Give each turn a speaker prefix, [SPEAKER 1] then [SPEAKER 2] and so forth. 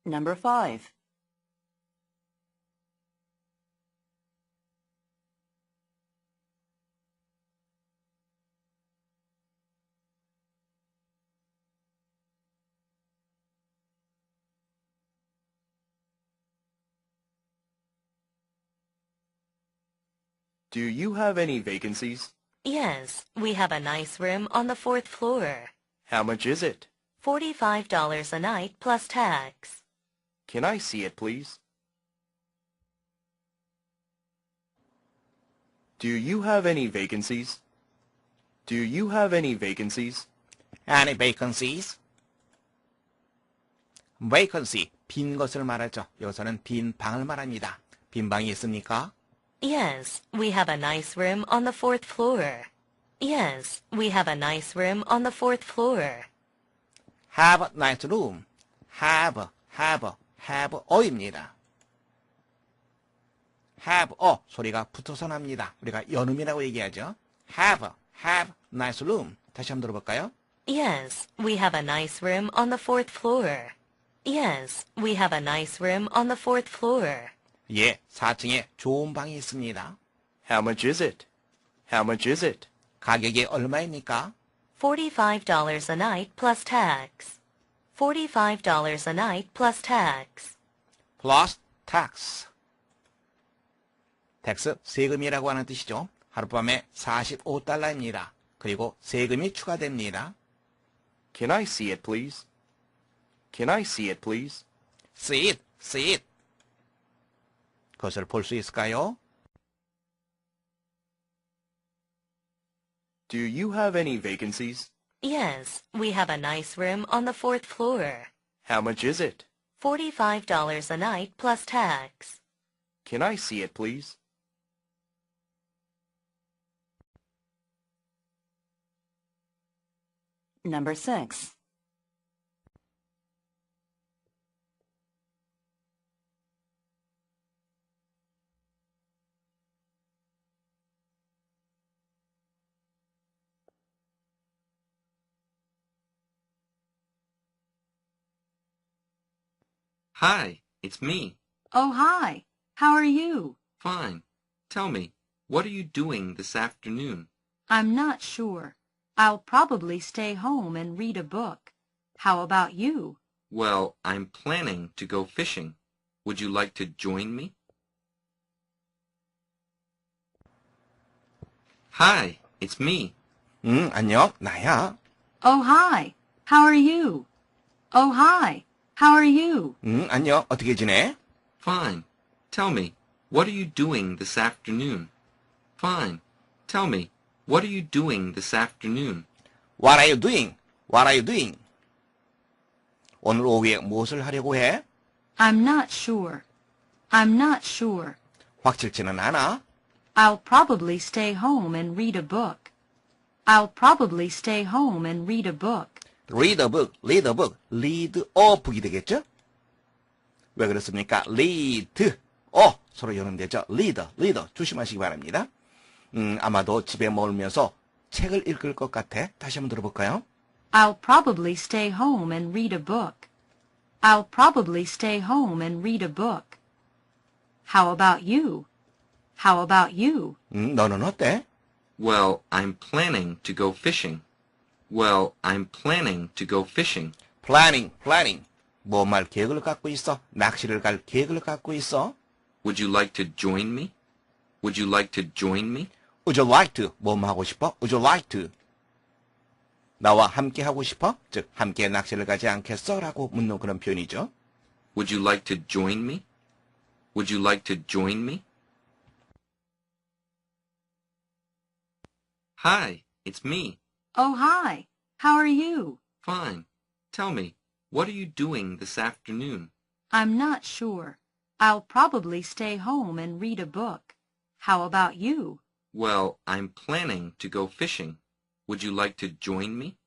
[SPEAKER 1] Number 5.
[SPEAKER 2] Do you have any vacancies?
[SPEAKER 3] Yes, we have a nice room on the 4th floor.
[SPEAKER 2] How much is it?
[SPEAKER 3] $45 a night plus tax.
[SPEAKER 2] Can I see it, please? Do you have any vacancies? Do you have any vacancies?
[SPEAKER 4] Any vacancies? vacancy, 빈 것을 말하죠. 여기서는 빈 방을 말합니다. 빈 방이 있습니까?
[SPEAKER 3] Yes, we have a nice room on the 4th floor. Yes, we have a nice room on the 4th floor.
[SPEAKER 4] have a nice room. have a입니다. have a 소리가 붙어서 납니다. 우리가 연음이라고 얘기하죠. have nice room. 다시 한번 들어볼까요?
[SPEAKER 3] Yes, we have a nice room on the 4th floor. Yes, we have a nice room on the 4th floor.
[SPEAKER 4] 예, 4층에 좋은 방이 있습니다.
[SPEAKER 2] How much is it? How much is it?
[SPEAKER 4] 가격이 얼마입니까?
[SPEAKER 3] $45 a night plus tax. $45 a night plus tax.
[SPEAKER 4] plus tax. 텍스, 세금이라고 하는 뜻이죠. 하룻밤에 $45입니다. 그리고 세금이 추가됩니다.
[SPEAKER 2] Can I see it, please? Can I see it, please?
[SPEAKER 4] see it. 그것을 볼 수 있을까요?
[SPEAKER 2] Do you have any vacancies?
[SPEAKER 3] Yes, we have a nice room on the 4th floor.
[SPEAKER 2] How much is it?
[SPEAKER 3] $45 a night plus tax.
[SPEAKER 2] Can I see it, please?
[SPEAKER 1] Number 6.
[SPEAKER 5] Hi, it's me.
[SPEAKER 6] Oh, hi. How are you?
[SPEAKER 5] Fine. Tell me, what are you doing this afternoon?
[SPEAKER 6] I'm not sure. I'll probably stay home and read a book. How about you?
[SPEAKER 5] Well, I'm planning to go fishing. Would you like to join me? Hi, it's me.
[SPEAKER 4] 안녕, 나야.
[SPEAKER 6] Oh, hi. How are you? Oh, hi. How are you?
[SPEAKER 4] 안녕, 어떻게 지내?
[SPEAKER 5] Fine. Tell me, what are you doing this afternoon? Fine. Tell me, what are you doing this afternoon?
[SPEAKER 4] What are you doing? What are you doing? 오늘 오후에 무엇을 하려고 해?
[SPEAKER 6] I'm not sure. I'm not sure.
[SPEAKER 4] 확실치는 않아.
[SPEAKER 6] I'll probably stay home and read a book. I'll probably stay home and read a book.
[SPEAKER 4] read a book, read a book, read a book이 되겠죠? 왜 그렇습니까? read, 서로 연음되죠? read, 조심하시기 바랍니다. 아마도 집에 머물면서 책을 읽을 것 같아. 다시 한번 들어볼까요?
[SPEAKER 6] I'll probably stay home and read a book. I'll probably stay home and read a book. How about you? How about you?
[SPEAKER 4] 너는 어때?
[SPEAKER 5] Well, I'm planning to go fishing. Well, I'm planning to go fishing.
[SPEAKER 4] planning. 뭐 말 계획을 갖고 있어? 낚시를 갈 계획을 갖고 있어?
[SPEAKER 5] Would you like to join me? Would you like to join me?
[SPEAKER 4] Would you like to? 뭐 하고 싶어? Would you like to? 나와 함께 하고 싶어? 즉, 함께 낚시를 가지 않겠어? 라고 묻는 그런 표현이죠.
[SPEAKER 5] Would you like to join me? Would you like to join me? Hi, it's me.
[SPEAKER 6] Oh, hi. How are you?
[SPEAKER 5] Fine. Tell me, what are you doing this afternoon?
[SPEAKER 6] I'm not sure. I'll probably stay home and read a book. How about you?
[SPEAKER 5] Well, I'm planning to go fishing. Would you like to join me?